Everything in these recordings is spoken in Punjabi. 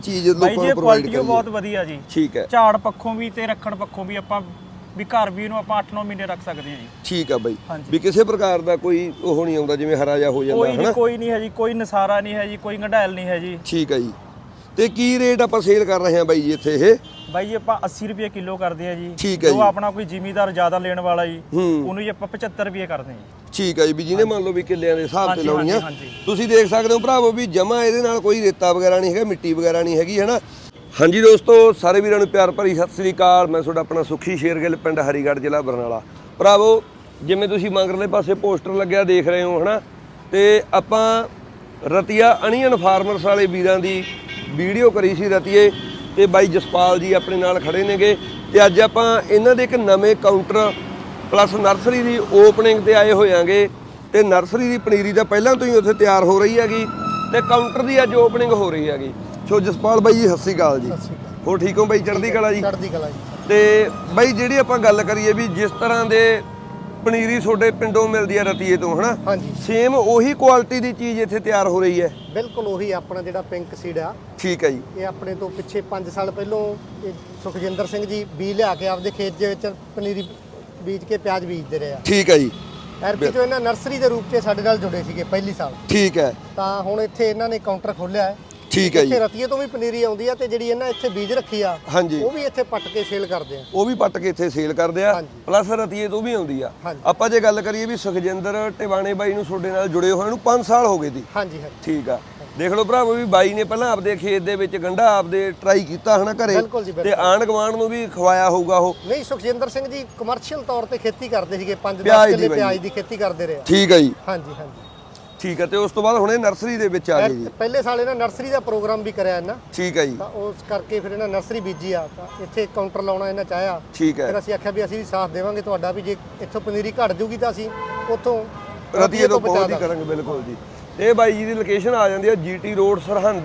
ਚੀਜ਼ ਲੋਕਾਂ ਨੂੰ ਪ੍ਰੋਵਾਈਡ ਕੁਆਲਿਟੀ ਬਹੁਤ ਵਧੀਆ ਜੀ। ਠੀਕ ਹੈ। ਝਾੜ ਪੱਖੋਂ ਵੀ ਤੇ ਰੱਖਣ ਪੱਖੋਂ ਵੀ ਆਪਾਂ ਵੀ ਘਰ ਵੀ ਇਹਨੂੰ ਆਪਾਂ 8-9 ਮਹੀਨੇ ਰੱਖ ਸਕਦੇ ਹਾਂ ਜੀ। ਠੀਕ ਆ ਬਾਈ, ਵੀ ਕਿਸੇ ਪ੍ਰਕਾਰ ਦਾ ਕੋਈ ਉਹ ਨਹੀਂ ਆਉਂਦਾ ਜਿਵੇਂ ਹਰਾ ਜਿਹਾ ਹੋ ਜਾਂਦਾ ਹੈ ਨਾ? ਕੋਈ ਨਹੀਂ ਹੈ ਜੀ, ਕੋਈ ਨਸਾਰਾ ਨਹੀਂ ਹੈ ਜੀ, ਕੋਈ ਗੰਢੈਲ ਨਹੀਂ ਹੈ ਜੀ। ਠੀਕ ਆ ਜੀ। ਤੇ ਕੀ ਰੇਟ ਆਪਾਂ ਸੇਲ ਕਰ ਰਹੇ ਹਾਂ ਬਾਈ ਜੀ ਇੱਥੇ ਇਹ? ਬਾਈ ਜੀ ਆਪਾਂ 80 ਰੁਪਏ ਕਿਲੋ ਕਰਦੇ ਆ ਜੀ। ਠੀਕ ਹੈ ਜੀ। ਜੋ ਆਪਣਾ ਕੋਈ ਜ਼ਿਮੀਦਾਰ ਜ਼ਿਆਦਾ ਲੈਣ ਵਾਲਾ ਜੀ ਉਹਨੂੰ ਜੀ ਆਪਾਂ 75 ਰੁਪਏ ਕਰਦੇ ਹਾਂ ਜੀ। ਠੀਕ ਹੈ ਜੀ, ਵੀ ਜਿਹਨੇ ਮੰਨ ਲਓ ਵੀ ਕਿੱਲਿਆਂ ਦੇ ਹਿਸਾਬ ਤੇ ਲਾਉਣੀ ਆ। ਤੁਸੀਂ ਦੇਖ ਸਕਦੇ ਹੋ ਭਰਾਵੋ ਵੀ ਜਮਾ ਇਹਦੇ ਨਾਲ ਕੋਈ ਰੇਤਾ ਵਗੈਰਾ ਨਹੀਂ ਹੈਗਾ, ਮਿੱਟੀ ਵਗੈਰਾ ਨਹੀਂ ਹੈਗੀ, ਹੈ ਨਾ। ਹਾਂਜੀ ਦੋਸਤੋ, ਸਾਰੇ ਵੀਰਾਂ ਨੂੰ ਪਿਆਰ ਭਰੀ ਸਤਿ ਸ੍ਰੀ ਅਕਾਲ। ਮੈਂ ਤੁਹਾਡਾ ਆਪਣਾ ਸੁਖੀ ਸ਼ੇਰਗਿੱਲ, ਪਿੰਡ ਹਰੀਗੜ੍ਹ, ਜ਼ਿਲ੍ਹਾ ਬਰਨਾਲਾ। ਭਰਾਵੋ ਜਿਵੇਂ ਤੁਸੀਂ ਮਗਰਲੇ ਪਾਸੇ ਪੋਸਟਰ ਲੱਗਿਆ ਦੇਖ ਰਹੇ ਹੋ, ਹੈ ਨਾ, ਤੇ ਆਪਾਂ ਰਤੀਆ ਅਣੀਅਨ ਫਾਰਮਰਸ ਵਾਲੇ ਵੀਰਾਂ ਦੀ ਵੀਡੀਓ ਕਰੀ ਸੀ ਰਤੀਏ, ਤੇ ਬਾਈ ਜਸਪਾਲ ਜੀ ਆਪਣੇ ਨਾਲ ਖੜੇ ਨੇਗੇ। ਤੇ ਅੱਜ ਆਪਾਂ ਇਹਨਾਂ ਦੇ ਇੱਕ ਨਵੇਂ ਕਾਊਂਟਰ ਪਲੱਸ ਨਰਸਰੀ ਦੀ ਓਪਨਿੰਗ ਤੇ ਆਏ ਹੋਇਆਂਗੇ। ਤੇ ਨਰਸਰੀ ਦੀ ਪਨੀਰੀ ਤਾਂ ਪਹਿਲਾਂ ਤੋਂ ਹੀ ਉੱਥੇ ਤਿਆਰ ਹੋ ਰਹੀ ਹੈਗੀ, ਤੇ ਕਾਊਂਟਰ ਦੀ ਅੱਜ ਓਪਨਿੰਗ ਹੋ ਰਹੀ ਹੈਗੀ। ਸੋ ਜਸਪਾਲ ਬਾਈ ਜੀ ਸਤਿ ਸ਼੍ਰੀ ਅਕਾਲ ਜੀ। ਹੋਰ ਠੀਕ ਹੋ ਬਾਈ? ਚੜ੍ਹਦੀ ਕਲਾ ਜੀ। ਚੜ੍ਹਦੀ ਕਲਾ ਜੀ। ਤੇ ਬਾਈ ਜਿਹੜੀ ਆਪਾਂ ਗੱਲ ਕਰੀਏ ਵੀ ਜਿਸ ਤਰ੍ਹਾਂ ਦੇ ਪਨੀਰੀ ਤੁਹਾਡੇ ਪਿੰਡੋਂ ਮਿਲਦੀ ਹੈ ਰਤੀਏ ਤੋਂ, ਹਨਾ, ਹਾਂਜੀ, ਸੇਮ ਉਹੀ ਕੁਆਲਿਟੀ ਦੀ ਚੀਜ਼ ਇੱਥੇ ਤਿਆਰ ਹੋ ਰਹੀ ਹੈ? ਬਿਲਕੁਲ ਉਹੀ ਆਪਣਾ ਜਿਹੜਾ ਪਿੰਕ ਸੀਡ ਆ। ਠੀਕ ਹੈ ਜੀ। ਇਹ ਆਪਣੇ ਤੋਂ ਪਿੱਛੇ 5 ਸਾਲ ਪਹਿਲੋਂ ਇਹ ਸੁਖਜਿੰਦਰ ਸਿੰਘ ਜੀ ਬੀਜ ਲਿਆ ਕੇ ਆਪਦੇ ਖੇਤ ਦੇ ਵਿੱਚ ਪਨੀਰੀ ਬੀਜ ਕੇ ਪਿਆਜ਼ ਬੀਜਦੇ ਰਹੇ ਆ। ਠੀਕ ਹੈ ਜੀ। ਐਰਪੀ ਤੋਂ ਇਹਨਾਂ ਨਰਸਰੀ ਦੇ ਰੂਪ 'ਚ ਸਾਡੇ ਨਾਲ ਜੁੜੇ ਸੀਗੇ ਪਹਿਲੀ ਸਾਲ। ਠੀਕ ਹੈ। ਤਾਂ ਹੁਣ ਇੱਥੇ ਇਹਨਾਂ ਨੇ ਕਾਊਂਟਰ ਖੋਲ੍ਹਿਆ ਹੈ। ਠੀਕ ਹੈ ਜੀ। ਇੱਥੇ ਰਤੀਏ ਤੋਂ ਵੀ ਪਨੀਰੀ ਆਉਂਦੀ ਆ, ਤੇ ਜਿਹੜੀ ਇਹਨਾਂ ਇੱਥੇ ਬੀਜ ਰੱਖੀ ਆ ਹਾਂਜੀ, ਉਹ ਵੀ ਇੱਥੇ ਪੱਟ ਕੇ ਸੇਲ ਕਰਦੇ ਆ। ਉਹ ਵੀ ਪੱਟ ਕੇ ਇੱਥੇ ਸੇਲ ਕਰਦੇ ਆ, ਹਾਂਜੀ। ਪਲੱਸ ਰਤੀਏ ਤੋਂ ਵੀ ਆਉਂਦੀ ਆ। ਹਾਂਜੀ। ਆਪਾਂ ਜੇ ਗੱਲ ਕਰੀਏ ਵੀ ਸੁਖਜਿੰਦਰ ਟਿਵਾਣੇ ਬਾਈ ਨੂੰ ਤੁਹਾਡੇ ਨਾਲ ਜੁੜੇ ਹੋਏ ਨੂੰ 5 ਸਾਲ ਹੋ ਗਏ ਸੀ। ਹਾਂਜੀ ਹਾਂਜੀ। ਠੀਕ ਆ। ਦੇਖ ਲਓ ਭਰਾਵੋ ਵੀ ਬਾਈ ਨੇ ਪਹਿਲਾਂ ਆਪਦੇ ਖੇਤ ਦੇ ਵਿੱਚ ਗੰਢਾ ਆਪਦੇ ਟਰਾਈ ਕੀਤਾ ਹਨਾ ਘਰੇ, ਬਿਲਕੁਲ ਜੀ, ਤੇ ਬਿਲਕੁਲ। ਆਂਢ ਗੁਆਂਢ ਨੂੰ ਵੀ ਖਵਾਇਆ ਹੋਊਗਾ ਉਹ। ਨਹੀਂ, ਸੁਖਜਿੰਦਰ ਸਿੰਘ ਜੀ ਕਮਰਸ਼ੀਅਲ ਤੌਰ ਤੇ ਖੇਤੀ ਕਰਦੇ ਸੀਗੇ, 5-10 ਪਿਆਜ਼ ਦੀ ਕਿੱਲੇ ਬਾਈ। ਪਿਆਜ਼ ਦੀ ਖੇਤੀ ਕਰਦੇ ਰਹੇ ਆ। ਠੀਕ ਹੈ ਜੀ। ਹਾਂਜੀ ਹਾਂਜੀ। ਠੀਕ ਹੈ। ਤੇ ਉਸ ਤੋਂ ਬਾਅਦ ਹੁਣ ਇਹ ਨਰਸਰੀ ਦੇ ਵਿੱਚ ਆ ਗਏ ਜੀ। ਪਹਿਲੇ ਸਾਲ ਇਹਨਾਂ ਨਰਸਰੀ ਦਾ ਪ੍ਰੋਗਰਾਮ ਵੀ ਕਰਿਆ ਇਹਨਾਂ। ਠੀਕ ਹੈ ਜੀ। ਤਾਂ ਉਸ ਕਰਕੇ ਫਿਰ ਇਹਨਾਂ ਨਰਸਰੀ ਬੀਜੀ ਆ, ਤਾਂ ਇੱਥੇ ਕਾਊਂਟਰ ਲਾਉਣਾ ਇਹਨਾਂ ਚਾਹਿਆ। ਠੀਕ ਹੈ। ਫਿਰ ਅਸੀਂ ਆਖਿਆ ਵੀ ਅਸੀਂ ਵੀ ਸਾਥ ਦੇਵਾਂਗੇ ਤੁਹਾਡਾ, ਵੀ ਜੇ ਇੱਥੋਂ ਪਨੀਰੀ ਘਟ ਜੂਗੀ ਤਾਂ ਅਸੀਂ ਉੱਥੋਂ ਰਤੀਏ ਤੋਂ ਪਹੁੰਚ ਹੀ ਕਰਾਂਗੇ। ਬਿਲਕੁਲ ਜੀ। ਇਹ ਬਾਈ ਜੀ ਦੀ ਲੋਕੇਸ਼ਨ ਆ ਜਾਂਦੀ ਹੈ GT road Sirhind,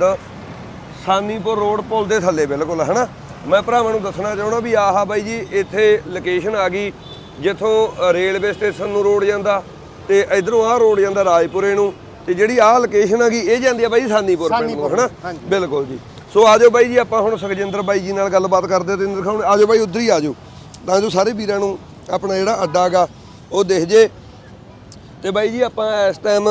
Sanipur road ਪੁਲ ਦੇ ਥੱਲੇ ਬਿਲਕੁਲ, ਹਨਾ। ਮੈਂ ਭਰਾਵਾਂ ਨੂੰ ਦੱਸਣਾ ਚਾਹੁੰਦਾ ਵੀ ਆਹ ਬਾਈ ਜੀ ਇੱਥੇ ਲੋਕੇਸ਼ਨ ਆ ਗਈ ਜਿੱਥੋਂ ਰੇਲਵੇ ਸਟੇਸ਼ਨ ਨੂੰ ਰੋਡ ਜਾਂਦਾ, ਤੇ ਇਧਰੋਂ ਆਹ ਰੋਡ ਜਾਂਦਾ ਰਾਜਪੁਰੇ ਨੂੰ, ਤੇ ਜਿਹੜੀ ਆਹ ਲੋਕੇਸ਼ਨ ਆ ਗਈ ਇਹ ਜਾਂਦੀ ਆ ਬਾਈ ਸਾਨੀਪੁਰ ਪਿੰਡ ਨੂੰ, ਹਨਾ। ਬਿਲਕੁਲ ਜੀ। ਸੋ ਆਜੋ ਬਾਈ ਜੀ, ਆਪਾਂ ਹੁਣ ਸੁਖਜਿੰਦਰ ਬਾਈ ਜੀ ਨਾਲ ਗੱਲਬਾਤ ਕਰਦੇ ਤੇ ਦਿਖਾਉਣ। ਆਜੋ ਬਾਈ, ਉੱਧਰ ਹੀ ਆਜੋ ਤਾਂ ਜੋ ਸਾਰੇ ਵੀਰਾਂ ਨੂੰ ਆਪਣਾ ਜਿਹੜਾ ਅੱਡਾ ਹੈਗਾ ਉਹ ਦਿਖ ਜੇ। ਤੇ ਬਾਈ ਜੀ ਆਪਾਂ ਇਸ ਟਾਈਮ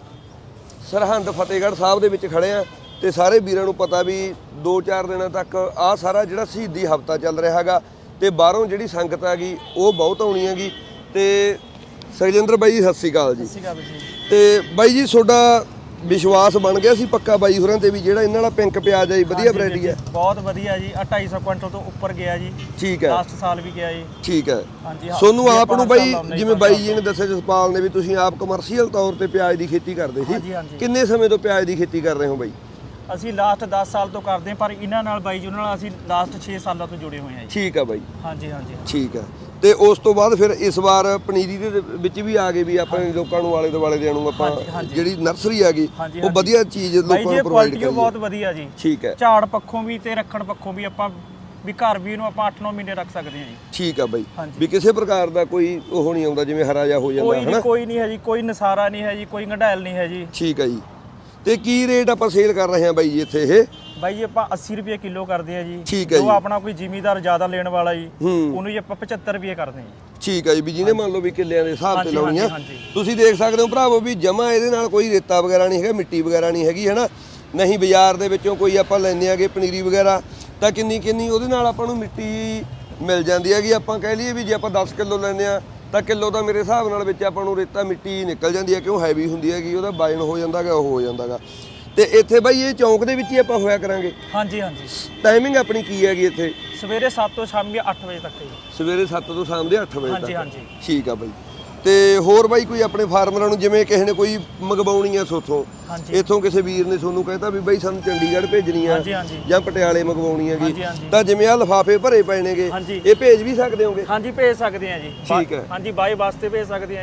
ਸਰਹੰਦ ਫਤਿਹਗੜ੍ਹ ਸਾਹਿਬ ਦੇ ਵਿੱਚ ਖੜੇ ਆ, ਤੇ ਸਾਰੇ ਵੀਰਾਂ ਨੂੰ ਪਤਾ ਵੀ 2-4 ਦਿਨਾਂ ਤੱਕ ਆਹ ਸਾਰਾ ਜਿਹੜਾ ਸ਼ਹੀਦੀ ਹਫ਼ਤਾ ਚੱਲ ਰਿਹਾ ਹੈਗਾ, ਤੇ ਬਾਹਰੋਂ ਜਿਹੜੀ ਸੰਗਤ ਹੈਗੀ ਉਹ ਬਹੁਤ ਆਉਣੀ ਹੈਗੀ। ਤੇ ਸੁਖਜਿੰਦਰ ਬਾਈ ਜੀ ਸਤਿ ਸ਼੍ਰੀ ਅਕਾਲ ਜੀ। ਸਤਿ ਸ਼੍ਰੀ ਅਕਾਲ ਜੀ। ਤੇ ਬਾਈ ਜੀ ਤੁਹਾਡਾ ਵਿਸ਼ਵਾਸ ਬਣ ਗਿਆ ਸੀ ਪੱਕਾ ਬਾਈ ਹੋਰਾਂ ਤੇ ਵੀ ਜਿਹੜਾ ਇਹਨਾਂ ਵਾਲਾ ਪਿੰਕ ਪਿਆਜ਼ ਹੈ ਜੀ ਵਧੀਆ ਵੈਰਾਈਟੀ ਹੈ? ਬਹੁਤ ਵਧੀਆ ਜੀ। 250 ਕੁਇੰਟਲ ਤੋਂ ਉੱਪਰ ਗਿਆ ਜੀ। ਠੀਕ ਹੈ। ਲਾਸਟ ਸਾਲ ਵੀ ਗਿਆ ਜੀ। ਠੀਕ ਹੈ। ਹਾਂਜੀ। ਸੋਨੂੰ ਆਪ ਨੂੰ ਬਾਈ ਜਿਵੇਂ ਬਾਈ ਜੀ ਨੇ ਦੱਸਿਆ ਜਸਪਾਲ ਨੇ ਵੀ ਤੁਸੀਂ ਆਪ ਕਮਰਸ਼ੀਅਲ ਤੌਰ ਤੇ ਪਿਆਜ਼ ਦੀ ਖੇਤੀ ਕਰਦੇ ਸੀ, ਕਿੰਨੇ ਸਮੇਂ ਤੋਂ ਪਿਆਜ਼ ਦੀ ਖੇਤੀ ਕਰ ਰਹੇ ਹੋ ਬਾਈ? ਅਸੀਂ ਲਾਸਟ 10 ਸਾਲ ਤੋਂ ਕਰਦੇ ਹਾਂ, ਪਰ ਇਹਨਾਂ ਨਾਲ ਬਾਈ ਜੀ ਉਹਨਾਂ ਨਾਲ ਅਸੀਂ ਲਾਸਟ 6 ਸਾਲਾਂ ਤੋਂ ਜੁੜੇ ਹੋਏ ਹਾਂ ਜੀ। ਠੀਕ ਹੈ ਬਾਈ। ਹਾਂਜੀ ਹਾਂਜੀ। ਠੀਕ ਹੈ। ਤੇ ਉਸ ਤੋਂ ਬਾਅਦ ਫਿਰ ਇਸ ਵਾਰ ਪਨੀਰੀ ਦੇ ਵਿੱਚ ਵੀ ਆ ਗਏ ਵੀ ਆਪਣੇ ਲੋਕਾਂ ਨੂੰ ਆਲੇ ਦੁਆਲੇ ਦੇਣ ਨੂੰ ਆਪਾਂ ਜਿਹੜੀ ਨਰਸਰੀ ਹੈਗੀ ਉਹ ਵਧੀਆ ਚੀਜ਼ ਲੋਕਾਂ ਨੂੰ ਪ੍ਰੋਵਾਈਡ ਕਰੀਏ। ਬਹੁਤ ਵਧੀਆ ਜੀ। ਠੀਕ ਹੈ। ਝਾੜ ਪੱਖੋਂ ਵੀ ਤੇ ਰੱਖਣ ਪੱਖੋਂ ਵੀ ਆਪਾਂ ਵੀ ਘਰ ਵੀ ਇਹਨੂੰ ਆਪਾਂ 8-9 ਮਹੀਨੇ ਰੱਖ ਸਕਦੇ ਹਾਂ ਜੀ। ਠੀਕ ਆ ਬਾਈ, ਵੀ ਕਿਸੇ ਪ੍ਰਕਾਰ ਦਾ ਕੋਈ ਉਹ ਨਹੀਂ ਆਉਂਦਾ ਜਿਵੇਂ ਹਰਾ ਜਿਹਾ ਹੋ ਜਾਂਦਾ ਹੈ ਨਾ? ਕੋਈ ਨਹੀਂ ਹੈ ਜੀ, ਕੋਈ ਨਸਾਰਾ ਨਹੀਂ ਹੈ ਜੀ, ਕੋਈ ਗੰਢੈਲ ਨਹੀਂ ਹੈ ਜੀ। ਠੀਕ ਹੈ ਜੀ। ਤੇ ਕੀ ਰੇਟ ਆਪਾਂ ਸੇਲ ਕਰ ਰਹੇ ਹਾਂ ਬਾਈ ਜੀ ਇੱਥੇ ਇਹ? ਬਾਈ ਜੀ ਆਪਾਂ 80 ਰੁਪਏ ਕਿਲੋ ਕਰਦੇ ਆ ਜੀ। ਠੀਕ ਹੈ ਜੀ। ਜੋ ਆਪਣਾ ਕੋਈ ਜ਼ਿਮੀਦਾਰ ਜ਼ਿਆਦਾ ਲੈਣ ਵਾਲਾ ਜੀ ਉਹਨੂੰ ਜੀ ਆਪਾਂ 75 ਰੁਪਏ ਕਰਦੇ ਹਾਂ। ਠੀਕ ਹੈ ਜੀ, ਵੀ ਜਿਹਨੇ ਮੰਨ ਲਓ ਵੀ ਕਿੱਲਿਆਂ ਦੇ ਹਿਸਾਬ ਤੇ ਲਾਉਣੀ ਆ। ਤੁਸੀਂ ਦੇਖ ਸਕਦੇ ਹੋ ਭਰਾਵੋ ਵੀ ਜਮਾ ਇਹਦੇ ਨਾਲ ਕੋਈ ਰੇਤਾ ਵਗੈਰਾ ਨਹੀਂ ਹੈਗਾ, ਮਿੱਟੀ ਵਗੈਰਾ ਨਹੀਂ ਹੈਗੀ, ਹੈ ਨਾ। ਨਹੀਂ ਬਾਜ਼ਾਰ ਦੇ ਵਿੱਚੋਂ ਕੋਈ ਆਪਾਂ ਲੈਂਦੇ ਆਗੇ ਪਨੀਰੀ ਵਗੈਰਾ ਤਾਂ ਕਿੰਨੀ ਉਹਦੇ ਨਾਲ ਆਪਾਂ ਨੂੰ ਮਿੱਟੀ ਮਿਲ ਜਾਂਦੀ ਹੈਗੀ। ਆਪਾਂ ਕਹਿ ਲਈਏ ਵੀ ਜੇ ਆਪਾਂ 10 ਕਿਲੋ ਲੈਂਦੇ ਆ ਤਾਂ ਕਿਲੋ ਦਾ ਮੇਰੇ ਹਿਸਾਬ ਨਾਲ ਵਿੱਚ ਆਪਾਂ ਨੂੰ ਰੇਤਾ ਮਿੱਟੀ ਨਿਕਲ ਜਾਂਦੀ ਹੈ, ਕਿਉਂ ਹੈਵੀ ਹੁੰਦੀ ਹੈਗੀ, ਉਹਦਾ ਵਜਨ ਹੋ ਜਾਂਦਾਗਾ, ਉਹ ਹੋ ਜਾਂਦਾਗਾ। ਤੇ ਇੱਥੇ ਬਾਈ ਇਹ ਚੌਂਕ ਦੇ ਵਿੱਚ ਹੀ ਆਪਾਂ ਹੋਇਆ ਕਰਾਂਗੇ? ਹਾਂਜੀ ਹਾਂਜੀ। ਟਾਈਮਿੰਗ ਆਪਣੀ ਕੀ ਹੈਗੀ ਇੱਥੇ? ਸਵੇਰੇ 7 ਤੋਂ ਸ਼ਾਮੀ 8 ਵਜੇ ਤੱਕ ਜੀ। ਸਵੇਰੇ 7 ਤੋਂ ਸ਼ਾਮ ਦੇ 8 ਵਜੇ ਤੱਕ? ਹਾਂਜੀ ਹਾਂਜੀ। ਠੀਕ ਆ ਬਾਈ। ਤੇ ਹੋਰ ਬਾਈ ਕੋਈ ਆਪਣੇ ਫਾਰਮਰਾਂ ਨੂੰ ਜਿਵੇਂ ਕਿਸੇ ਨੇ ਕੋਈ ਮੰਗਵਾਉਣੀ ਆ ਸੋਥੋਂ, ਇੱਥੋਂ ਕਿਸੇ ਵੀਰ ਨੇ ਤੁਹਾਨੂੰ ਕਹਿਤਾ ਵੀ ਬਾਈ ਸਾਨੂੰ ਚੰਡੀਗੜ੍ਹ ਭੇਜਣੀ ਆ ਜਾਂ ਪਟਿਆਲੇ ਮੰਗਵਾਉਣੀ ਹੈਗੀ, ਤਾਂ ਜਿਵੇਂ ਆ ਲਿਫਾਫੇ ਭਰੇ ਪਏ ਨੇਗੇ ਇਹ ਭੇਜ ਵੀ ਸਕਦੇ ਹੋਗੇ? ਹਾਂਜੀ ਭੇਜ ਸਕਦੇ ਆ ਜੀ। ਠੀਕ ਹੈ। ਹਾਂਜੀ ਬਾਈ ਬੱਸ ਤੇ ਭੇਜ ਸਕਦੇ ਆ ਜੀ।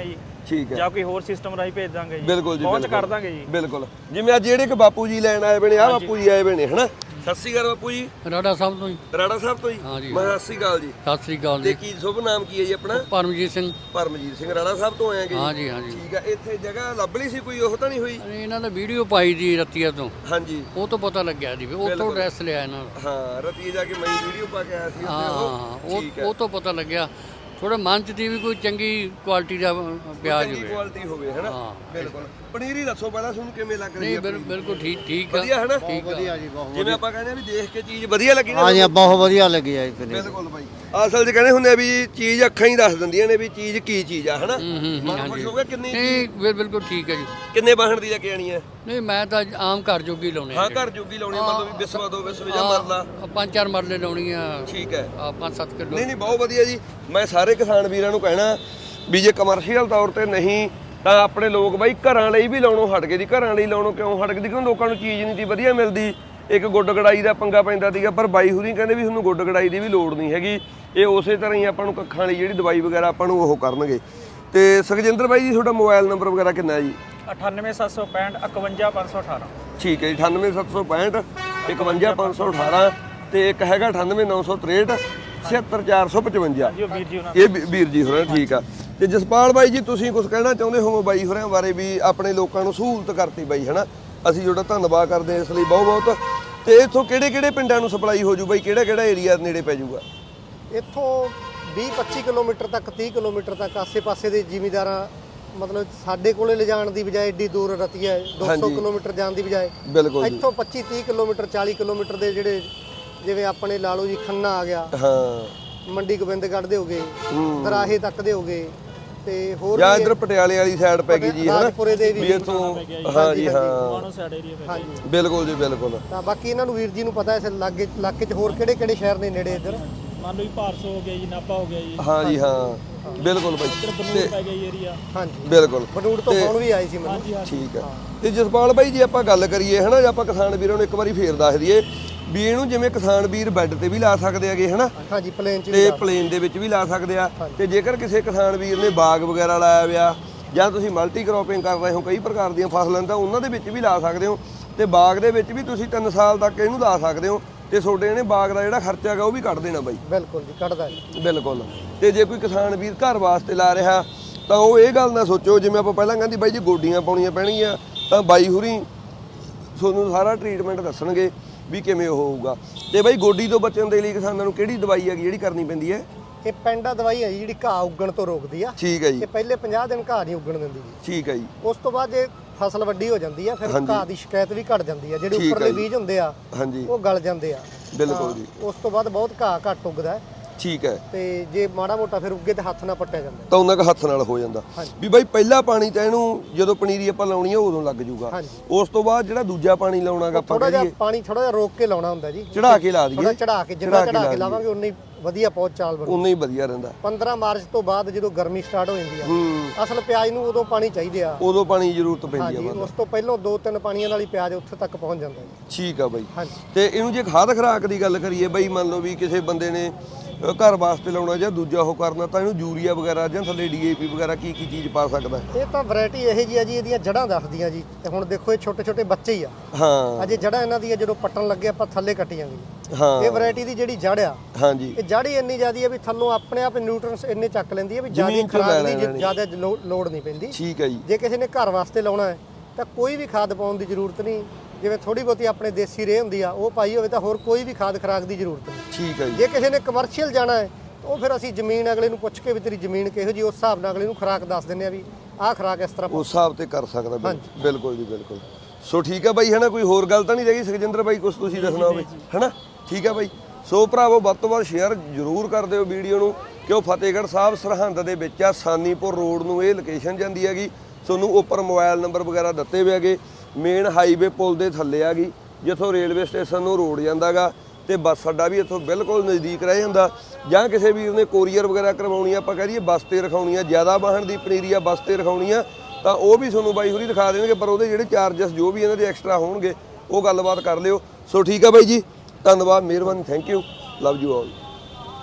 ਠੀਕ ਹੈ ਜਾਂ ਕੋਈ ਹੋਰ ਸਿਸਟਮ ਰਾਹੀਂ ਭੇਜ ਦਾਂਗੇ ਜੀ। ਬਿਲਕੁਲ ਜੀ, ਪਹੁੰਚ ਬਿਲਕੁਲ। ਕਰ ਦਾਂਗੇ ਜੀ। ਬਿਲਕੁਲ। ਜਿਵੇਂ ਅੱਜ ਜਿਹੜੇ ਕਿ ਬਾਪੂ ਜੀ ਲੈਣ ਆਏ ਬਣੇ ਆ ਬਾਪੂ ਜੀ ਆਏ ਬਣੇ ਹਨਾ। ਸਤਿ ਸ਼੍ਰੀ ਅਕਾਲ ਬਾਪੂ ਜੀ। ਰਾੜਾ ਸਾਹਿਬ ਤੋਂ ਜੀ। ਰਾੜਾ ਸਾਹਿਬ ਤੋਂ ਜੀ। ਹਾਂਜੀ। ਮੈਂ ਸਤਿ ਸ਼੍ਰੀ ਅਕਾਲ ਜੀ। ਸਤਿ ਸ੍ਰੀ ਅਕਾਲ ਤੇ ਜੀ। ਕੀ ਸ਼ੁਭ ਨਾਮ ਕੀ ਹੈ ਜੀ ਆਪਣਾ? ਪਰਮਜੀਤ ਸਿੰਘ। ਪਰਮਜੀਤ ਸਿੰਘ ਰਾੜਾ ਸਾਹਿਬ ਤੋਂ ਆਏਗੇ ਜੀ? ਹਾਂਜੀ ਹਾਂਜੀ। ਠੀਕ ਆ। ਇੱਥੇ ਜਗ੍ਹਾ ਲੱਭ ਲਈ ਸੀ ਕੋਈ, ਉਹ ਤਾਂ ਨਹੀਂ ਹੋਈ? ਇਹਨਾਂ ਨੇ ਵੀਡੀਓ ਪਾਈ ਜੀ ਰਤੀਆ ਤੋਂ, ਹਾਂਜੀ। ਉਹ ਤੋਂ ਪਤਾ ਲੱਗਿਆ ਜੀ ਵੀ ਉੱਥੋਂ ਐਡਰੈਸ ਲਿਆ ਇਹਨਾਂ ਦਾ। ਹਾਂ, ਰਤੀਏ ਜਾ ਕੇ ਮੈਂ ਵੀਡੀਓ ਪਾ ਕੇ ਆਇਆ ਸੀ ਉੱਥੇ ਹਾਂ, ਠੀਕ ਹੈ। ਉਹ ਤੋਂ ਪਤਾ ਲੱਗਿਆ ਥੋੜਾ ਮਨ ਚ ਦੀ ਵੀ ਕੋਈ ਚੰਗੀ ਕੁਆਲਿਟੀ ਦਾ ਪਿਆਜ਼ ਚੰਗੀ ਹੋਵੇ। ਕੁਆਲਿਟੀ ਹੋਵੇ ਹਨਾ। ਹਾਂ। ਬਿਲਕੁਲ। ਪਨੀਰੀ ਦੱਸੋ ਪਹਿਲਾਂ ਤੁਹਾਨੂੰ ਕਿਵੇਂ ਲੱਗ ਰਹੀ ਨਹੀਂ ਹੈ? ਬਿਲਕੁਲ ਠੀਕ ਆ। ਵਧੀਆ ਹਨਾ? ਠੀਕ ਆ। ਜੀ ਬਹੁਤ ਜਿਵੇਂ ਆਪਾਂ ਕਹਿੰਦੇ ਆ ਵੀ ਦੇਖ ਕੇ ਚੀਜ਼ ਵਧੀਆ ਲੱਗੀ ਨਾ। ਹਾਂਜੀ ਬਹੁਤ ਵਧੀਆ ਲੱਗੀ ਆ ਜੀ ਪਨੀਰੀ। ਬਿਲਕੁਲ ਬਾਈ। ਅਸਲ 'ਚ ਕਹਿੰਦੇ ਹੁੰਦੇ ਆ ਵੀ ਚੀਜ਼ ਅੱਖਾਂ ਹੀ ਦੱਸ ਦਿੰਦੀਆਂ ਨੇ ਵੀ ਚੀਜ਼ ਕੀ ਚੀਜ਼ ਆ ਹਨਾ। ਮਨ ਖੁਸ਼ ਹੋ ਗਿਆ। ਕਿੰਨੀ ਨਹੀਂ ਬਿਲਕੁਲ ਠੀਕ ਹੈ ਜੀ। ਕਿੰਨੇ ਬਾਹਣ ਦੀ ਲੈ ਕੇ ਆਣੀ ਹੈ? ਨਹੀਂ ਮੈਂ ਤਾਂ ਆਮ ਘਰ ਜੋਗੀ ਲਾਉਣੇ ਹਾਂ, ਘਰ ਜੋਗੀ ਲਾਉਣੀ ਮਤਲਬ ਵੀ ਬਿਸਵਾ ਦੋ ਬਿਸਵੇ ਜਾਂ ਮਰਲਾ। 5-4 ਮਰਲੇ ਲਾਉਣੀ ਆ। ਠੀਕ ਹੈ। 5-7 ਕਿਲੋ। ਨਹੀਂ ਬਹੁਤ ਵਧੀਆ ਜੀ। ਮੈਂ ਸਾਰੇ ਕਿਸਾਨ ਵੀਰਾਂ ਨੂੰ ਕਹਿਣਾ ਵੀ ਜੇ ਕਮਰਸ਼ੀਅਲ ਤੌਰ ਤੇ ਨਹੀਂ ਤਾਂ ਆਪਣੇ ਲੋਕ ਬਾਈ ਘਰਾਂ ਲਈ ਵੀ ਲਾਉਣੋਂ ਹਟ ਗਏ ਜੀ। ਘਰਾਂ ਲਈ ਲਾਉਣੋਂ ਕਿਉਂ ਹਟ ਗਏ? ਕਿਉਂ ਲੋਕਾਂ ਨੂੰ ਚੀਜ਼ ਨਹੀਂ ਸੀ ਵਧੀਆ ਮਿਲਦੀ। ਇੱਕ ਗੁੱਡ ਗੜਾਈ ਦਾ ਪੰਗਾ ਪੈਂਦਾ ਸੀਗਾ, ਪਰ ਬਾਈ ਹੁਰੀ ਕਹਿੰਦੇ ਵੀ ਤੁਹਾਨੂੰ ਗੁੱਡ ਗੜਾਈ ਦੀ ਵੀ ਲੋੜ ਨਹੀਂ ਹੈਗੀ। ਇਹ ਉਸੇ ਤਰ੍ਹਾਂ ਹੀ ਆਪਾਂ ਨੂੰ ਕੱਖਾਂ ਲਈ ਜਿਹੜੀ ਦਵਾਈ ਵਗੈਰਾ ਆਪਾਂ ਨੂੰ ਉਹ ਕਰਨਗੇ। ਤੇ ਸੁਖਜਿੰਦਰ ਬਾਈ ਜੀ ਤੁਹਾਡਾ ਮੋਬਾਈਲ ਨੰਬਰ ਵਗੈਰਾ ਕਿੰਨਾ ਹੈ ਜੀ? 98765 51518। ਠੀਕ ਹੈ ਜੀ। 98765 51518 ਤੇ ਇੱਕ ਹੈਗਾ 98963 76455। ਜੀ ਉਹ ਵੀਰ ਜੀ ਉਹਨਾਂ ਇਹ ਵੀਰ ਜੀ ਹੋਰਾਂ ਠੀਕ ਆ। ਤੇ ਜਸਪਾਲ ਬਾਈ ਜੀ ਤੁਸੀਂ ਕੁਝ ਕਹਿਣਾ ਚਾਹੁੰਦੇ ਹੋ ਬਾਈ ਹੋਰਾਂ ਬਾਰੇ ਵੀ ਆਪਣੇ ਲੋਕਾਂ ਨੂੰ ਸਹੂਲਤ ਕਰਤੀ ਬਾਈ ਹਨਾ? ਅਸੀਂ ਤੁਹਾਡਾ ਧੰਨਵਾਦ ਕਰਦੇ ਹਾਂ ਇਸ ਲਈ ਬਹੁਤ ਬਹੁਤ। ਤੇ ਇੱਥੋਂ ਕਿਹੜੇ ਕਿਹੜੇ ਪਿੰਡਾਂ ਨੂੰ ਸਪਲਾਈ ਹੋ ਜੂ ਬਾਈ? ਕਿਹੜਾ ਕਿਹੜਾ ਏਰੀਆ ਨੇੜੇ ਪੈ ਜਾਊਗਾ? ਇੱਥੋਂ 20-25 ਕਿਲੋਮੀਟਰ ਤੱਕ 30 ਕਿਲੋਮੀਟਰ ਤੱਕ ਆਸੇ-ਪਾਸੇ ਦੇ ਜ਼ਿਮੀਂਦਾਰਾਂ ਮਤਲਬ ਸਾਡੇ ਕੋਲੇ ਲਿਜਾਣ ਦੀ ਬਜਾਏ ਏਡੀ ਦੂਰ ਰਤੀਆ 200 ਕਿਲੋਮੀਟਰ ਜਾਣ ਦੀ ਬਜਾਏ ਬਿਲਕੁਲ ਜੀ। ਇੱਥੋਂ 25-30 ਕਿਲੋਮੀਟਰ 40 ਕਿਲੋਮੀਟਰ ਦੇ ਜਿਹੜੇ ਜਿਵੇਂ ਆਪਣੇ ਲਾ ਲਓ ਜੀ ਖੰਨਾ ਆ ਗਿਆ, ਹਾਂ, ਮੰਡੀ ਗੋਬਿੰਦਗੜ੍ਹ ਦੇ ਹੋਗੇ, ਦਰਾਹੇ ਤੱਕ ਦੇ ਹੋਗੇ ਤੇ ਹੋਰ ਜਾਂ ਵੀ ਇੱਧਰ ਪਟਿਆਲੇ ਵਾਲੀ ਸਾਈਡ ਪੈ ਗਈ ਜੀ ਹਨਾ? ਰਾਜਪੁਰੇ ਦੇ ਵੀ ਵੀ ਇੱਥੋਂ ਹਾਂ ਜੀ ਹਾਂ ਮਾਨੋ ਸਾਈਡ ਏਰੀਆ ਪੈ ਗਿਆ। ਹਾਂਜੀ। ਬਿਲਕੁਲ ਜੀ ਬਿਲਕੁਲ। ਤਾਂ ਬਾਕੀ ਇਹਨਾਂ ਨੂੰ ਵੀਰ ਜੀ ਨੂੰ ਪਤਾ ਇਸ ਲਾਗੇ ਇਲਾਕੇ 'ਚ ਹੋਰ ਕਿਹੜੇ ਸ਼ਹਿਰ ਨੇ ਨੇੜੇ ਇੱਧਰ। ਮੰਨ ਲਓ ਜੀ ਭਾਰਸੋ ਹੋ ਗਿਆ ਜੀ, ਨਾਭਾ ਹੋ ਗਿਆ ਜੀ, ਹਾਂ ਜੀ ਹਾਂ ਬਿਲਕੁਲ ਬਾਈ। ਇੱਧਰ ਬਨੂੜ ਪੈ ਗਿਆ ਜੀ ਏਰੀਆ। ਹਾਂਜੀ ਬਿਲਕੁਲ ਬਨੂੜ ਤੋਂ ਫੋਨ ਵੀ ਆਏ ਸੀ ਮੈਨੂੰ। ਹਾਂਜੀ ਹਾਂਜੀ। ਠੀਕ ਹੈ। ਤੇ ਜਸਪਾਲ ਬਾਈ ਜੀ ਆਪਾਂ ਗੱਲ ਕਰੀਏ ਹਨਾ, ਜੇ ਆਪਾਂ ਕਿਸਾਨ ਵੀਰਾਂ ਨੂੰ ਇੱਕ ਵਾਰੀ ਫੇਰ ਦੱਸ ਦਈਏ ਵੀ ਇਹਨੂੰ ਜਿਵੇਂ ਕਿਸਾਨ ਵੀਰ ਬੈੱਡ ਤੇ ਵੀ ਲਾ ਸਕਦੇ ਹੈਗੇ ਹਨਾ, ਹਾਂਜੀ ਪਲੇਨ 'ਚ ਤੇ ਵੀ ਪਲੇਨ ਦੇ ਵਿੱਚ ਵੀ ਲਾ ਸਕਦੇ ਆ। ਤੇ ਜੇਕਰ ਕਿਸੇ ਕਿਸਾਨ ਵੀਰ ਨੇ ਬਾਗ ਵਗੈਰਾ ਲਾਇਆ ਹੋਇਆ ਜਾਂ ਤੁਸੀਂ ਮਲਟੀ ਕ੍ਰੋਪਿੰਗ ਕਰ ਰਹੇ ਹੋ ਕਈ ਪ੍ਰਕਾਰ ਦੀਆਂ ਫਸਲਾਂ, ਤਾਂ ਉਹਨਾਂ ਦੇ ਵਿੱਚ ਵੀ ਲਾ ਸਕਦੇ ਹੋ। ਤੇ ਬਾਗ ਦੇ ਵਿੱਚ ਵੀ ਤੁਸੀਂ 3 ਸਾਲ ਤੱਕ ਇਹਨੂੰ ਲਾ ਸਕਦੇ ਹੋ ਤੇ ਤੁਹਾਡੇ ਇਹਨੇ ਬਾਗ ਦਾ ਜਿਹੜਾ ਖਰਚਾ ਹੈਗਾ ਉਹ ਵੀ ਕੱਢ ਦੇਣਾ ਬਾਈ। ਬਿਲਕੁਲ ਜੀ ਕੱਢਦਾ ਜੀ। ਬਿਲਕੁਲ। ਤੇ ਜੇ ਕੋਈ ਕਿਸਾਨ ਵੀਰ ਘਰ ਵਾਸਤੇ ਲਾ ਰਿਹਾ ਤਾਂ ਉਹ ਇਹ ਗੱਲ ਨਾ ਸੋਚੋ ਜਿਵੇਂ ਆਪਾਂ ਪਹਿਲਾਂ ਕਹਿੰਦੀ ਬਾਈ ਜੀ ਗੋਡੀਆਂ ਪਾਉਣੀਆਂ ਪੈਣਗੀਆਂ, ਤਾਂ ਬਾਈ ਹੁਰੀ ਤੁਹਾਨੂੰ ਸਾਰਾ ਟ੍ਰੀਟਮੈਂਟ ਦੱਸਣਗੇ ਵੀ ਕਿਵੇਂ ਉਹ ਹੋਊਗਾ। ਤੇ ਬਾਈ ਗੋਡੀ ਤੋਂ ਬਚਣ ਦੇ ਲਈ ਕਿਸਾਨਾਂ ਨੂੰ ਕਿਹੜੀ ਦਵਾਈ ਹੈਗੀ ਜਿਹੜੀ ਕਰਨੀ ਪੈਂਦੀ ਹੈ? ਇਹ ਪੈਂਡਾ ਦਵਾਈ ਹੈ ਜੀ ਜਿਹੜੀ ਘਾਹ ਉੱਗਣ ਤੋਂ ਰੋਕਦੀ ਆ। ਠੀਕ ਹੈ ਜੀ। ਇਹ ਪਹਿਲੇ 50 ਦਿਨ ਘਾਹ ਨਹੀਂ ਉੱਗਣ ਦਿੰਦੀ ਜੀ। ਠੀਕ ਹੈ ਜੀ। ਉਸ ਤੋਂ ਬਾਅਦ ਜੇ ਫਸਲ ਵੱਡੀ ਹੋ ਜਾਂਦੀ ਆ ਫਿਰ ਹਾਂਜੀ। ਘਾਹ ਦੀ ਸ਼ਿਕਾਇਤ ਵੀ ਘਟ ਜਾਂਦੀ ਆ। ਜਿਹੜੇ ਠੀਕ ਉੱਪਰਲੇ ਹੈ ਜੀ। ਬੀਜ ਹੁੰਦੇ ਆ ਹਾਂਜੀ ਉਹ ਗਲ ਜਾਂਦੇ ਆ। ਬਿਲਕੁਲ ਜੀ। ਉਸ ਤੋਂ ਬਾਅਦ ਬਹੁਤ ਘਾਹ ਘੱਟ ਉੱਗਦਾ ਹੈ ਠੀਕ ਹੈ। ਤੇ ਜੇ ਮਾੜਾ ਮੋਟਾ ਫਿਰ ਉੱਗੇ ਤੇ ਹੱਥ ਨਾਲ ਪੱਟਿਆ ਜਾਂਦਾ ਤਾਂ ਉਹਨਾਂ ਕ ਹੱਥ ਨਾਲ ਹੋ ਜਾਂਦਾ ਹਾਂਜੀ। ਵੀ ਬਾਈ ਪਹਿਲਾ ਪਾਣੀ ਤਾਂ ਇਹਨੂੰ ਜਦੋਂ ਪਨੀਰੀ ਆਪਾਂ ਲਾਉਣੀ ਹੈ ਉਦੋਂ ਲੱਗ ਜੂਗਾ। ਹਾਂਜੀ। ਉਸ ਤੋਂ ਬਾਅਦ ਜਿਹੜਾ ਦੂਜਾ ਪਾਣੀ ਲਾਉਣਾਗਾ ਆਪਾਂ ਥੋੜਾ ਜਿਹਾ ਕਰੀਏ ਪਾਣੀ ਥੋੜਾ ਜਿਹਾ ਰੋਕ ਕੇ ਲਾਉਣਾ ਹੁੰਦਾ ਜੀ। ਚੜਾ ਕੇ ਲਾ ਦਈਏ। ਥੋੜਾ ਚੜਾ ਕੇ ਜਿੰਨਾ ਚੜਾ ਕੇ ਲਾਵਾਂਗੇ ਉਨੀ ਵਧੀਆ ਪਹੁੰਚ ਚਾਲ ਬਣੂ। ਉਨਾ ਹੀ ਵਧੀਆ ਰਹਿੰਦਾ। 15 ਮਾਰਚ ਤੋਂ ਬਾਅਦ ਜਦੋਂ ਗਰਮੀ ਸਟਾਰਟ ਹੋ ਜਾਂਦੀ ਆ ਹੂੰ। ਅਸਲ ਪਿਆਜ਼ ਨੂੰ ਉਦੋਂ ਪਾਣੀ ਚਾਹੀਦੇ ਆ। ਉਦੋਂ ਪਾਣੀ ਦੀ ਜ਼ਰੂਰਤ ਪੈਂਦੀ ਹਾਂਜੀ ਆ। ਉਸ ਤੋਂ ਪਹਿਲਾਂ 2-3 ਪਾਣੀਆਂ ਨਾਲ ਹੀ ਪਿਆਜ਼ ਉੱਥੇ ਤੱਕ ਪਹੁੰਚ ਜਾਂਦਾ ਜੀ। ਠੀਕ ਆ ਬਾਈ। ਹਾਂਜੀ। ਤੇ ਇਹਨੂੰ ਜੇ ਖਾਦ ਖਰਾਕ ਦੀ ਗੱਲ ਕਰੀਏ ਬਾਈ, ਮੰਨ ਲਓ ਵੀ ਕਿਸੇ ਬੰਦੇ ਨੇ ਘਰ ਵਾਸਤੇ ਲਾਉਣਾ ਜਾਂ ਦੂਜਾ ਉਹ ਕਰਨਾ, ਤਾਂ ਇਹਨੂੰ ਯੂਰੀਆ ਵਗੈਰਾ ਜਾਂ ਥੱਲੇ ਡੀਏਪੀ ਵਗੈਰਾ ਕੀ ਚੀਜ਼ ਪਾ ਸਕਦਾ? ਇਹ ਤਾਂ ਵੈਰਾਈਟੀ ਇਹੋ ਜਿਹੀ ਆ ਜੀ, ਇਹਦੀਆਂ ਜੜ੍ਹਾਂ ਦੱਸਦੀਆਂ ਜੀ। ਤੇ ਹੁਣ ਦੇਖੋ ਇਹ ਛੋਟੇ ਛੋਟੇ ਬੱਚੇ ਹੀ ਆ। ਹਾਂ ਅਜੇ ਜੜ੍ਹਾਂ ਇਹਨਾਂ ਦੀਆਂ ਜਦੋਂ ਪੱਟਣ ਲੱਗੇ ਆਪਾਂ ਥੱਲੇ ਕੱਟੀਆਂਗੇ। ਹਾਂ। ਇਹ ਵੈਰਾਈਟੀ ਦੀ ਜਿਹੜੀ ਜੜ ਆ ਹਾਂਜੀ। ਇਹ ਜੜ ਹੀ ਇੰਨੀ ਜ਼ਿਆਦੀ ਆ ਵੀ ਥੱਲੋਂ ਆਪਣੇ ਆਪ ਨਿਊਟ੍ਰੀਐਂਟਸ ਇੰਨੇ ਚੱਕ ਲੈਂਦੀ ਆ ਵੀ ਜ਼ਿਆਦਾ ਜ਼ਮੀਨ ਚੋਂ ਖਰਾਬ ਲੈ ਦੀ ਲੈਣੀ। ਜ਼ਿਆਦਾ ਲੋੜ ਨਹੀਂ ਪੈਂਦੀ। ਠੀਕ ਹੈ ਜੀ। ਜੇ ਕਿਸੇ ਨੇ ਘਰ ਵਾਸਤੇ ਲਾਉਣਾ ਹੈ ਤਾਂ ਕੋਈ ਵੀ ਖਾਦ ਪਾਉਣ ਦੀ ਜ਼ਰੂਰਤ ਨਹੀਂ। ਜਿਵੇਂ ਥੋੜੀ ਬਹੁਤੀ ਆਪਣੇ ਦੇਸੀ ਰੇਹ ਹੁੰਦੀ ਆ ਉਹ ਪਾਈ ਹੋਵੇ ਤਾਂ ਹੋਰ ਕੋਈ ਵੀ ਖਾਦ ਖਰਾਕ ਦੀ ਜ਼ਰੂਰਤ ਨਹੀਂ। ਠੀਕ ਹੈ ਜੀ। ਜੇ ਕਿਸੇ ਨੇ ਕਮਰਸ਼ੀਅਲ ਜਾਣਾ ਹੈ ਉਹ ਫਿਰ ਅਸੀਂ ਜ਼ਮੀਨ ਅਗਲੇ ਨੂੰ ਪੁੱਛ ਕੇ ਵੀ ਤੇਰੀ ਜ਼ਮੀਨ ਕਿਹੋ ਜੀ ਉਸ ਹਿਸਾਬ ਨਾਲ ਅਗਲੇ ਨੂੰ ਖੁਰਾਕ ਦੱਸ ਦਿੰਦੇ ਆ ਵੀ ਆਹ ਖੁਰਾਕ ਇਸ ਤਰ੍ਹਾਂ। ਉਸ ਹਿਸਾਬ ਤੇ ਕਰ ਸਕਦਾ ਬਿਲਕੁਲ ਜੀ ਬਿਲਕੁਲ। ਸੋ ਠੀਕ ਹੈ ਬਾਈ ਹਨਾ, ਕੋਈ ਹੋਰ ਗੱਲ ਤਾਂ ਨਹੀਂ ਰਹੀ ਸੁਖਜਿੰਦਰ ਬਾਈ ਕੁਝ ਤੁਸੀਂ ਦੱਸਣਾ ਹੋਵੇ ਹਨਾ? ਠੀਕ ਹੈ ਬਾਈ। ਸੋ ਭਰਾਵੋ ਵੱਧ ਤੋਂ ਵੱਧ ਸ਼ੇਅਰ ਜ਼ਰੂਰ ਕਰ ਦਿਓ ਵੀਡੀਓ ਨੂੰ, ਕਿਉਂ ਫਤਿਹਗੜ੍ਹ ਸਾਹਿਬ ਸਰਹੰਦ ਦੇ ਵਿੱਚ ਆ, ਸਾਨੀਪੁਰ ਰੋਡ ਨੂੰ ਇਹ ਲੋਕੇਸ਼ਨ ਜਾਂਦੀ ਹੈਗੀ। ਤੁਹਾਨੂੰ ਉੱਪਰ ਮੋਬਾਈਲ ਨੰਬਰ ਵਗੈਰਾ ਦਿੱਤੇ ਹੋਏ ਹੈਗੇ। ਮੇਨ ਹਾਈਵੇ ਪੁਲ ਦੇ ਥੱਲੇ ਆ ਗਈ, ਜਿੱਥੋਂ ਰੇਲਵੇ ਸਟੇਸ਼ਨ ਨੂੰ ਰੋਡ ਜਾਂਦਾਗਾ ਤੇ ਬੱਸ ਅੱਡਾ ਵੀ ਇੱਥੋਂ ਬਿਲਕੁਲ ਨਜ਼ਦੀਕ ਰਹਿ ਜਾਂਦਾ। ਜਾਂ ਕਿਸੇ ਵੀਰ ਨੇ ਕੋਰੀਅਰ ਵਗੈਰਾ ਕਰਵਾਉਣੀ ਆ, ਆਪਾਂ ਕਹਿ ਦਈਏ ਬੱਸ ਤੇ ਰਖਾਉਣੀ ਆ, ਜ਼ਿਆਦਾ ਵਾਹਣ ਦੀ ਪਨੀਰੀ ਆ ਬੱਸ ਤੇ ਰਖਾਉਣੀ ਆ, ਤਾਂ ਉਹ ਵੀ ਤੁਹਾਨੂੰ ਬਾਈ ਹੋਰੀ ਦਿਖਾ ਦੇਣਗੇ। ਪਰ ਉਹਦੇ ਜਿਹੜੇ ਚਾਰਜਸ ਜੋ ਵੀ ਇਹਨਾਂ ਦੇ ਐਕਸਟਰਾ ਹੋਣਗੇ ਉਹ ਗੱਲਬਾਤ ਕਰ ਲਿਓ। ਸੋ ਠੀਕ ਆ ਬਾਈ ਜੀ, ਧੰਨਵਾਦ, ਮਿਹਰਬਾਨੀ, thank you, love you all.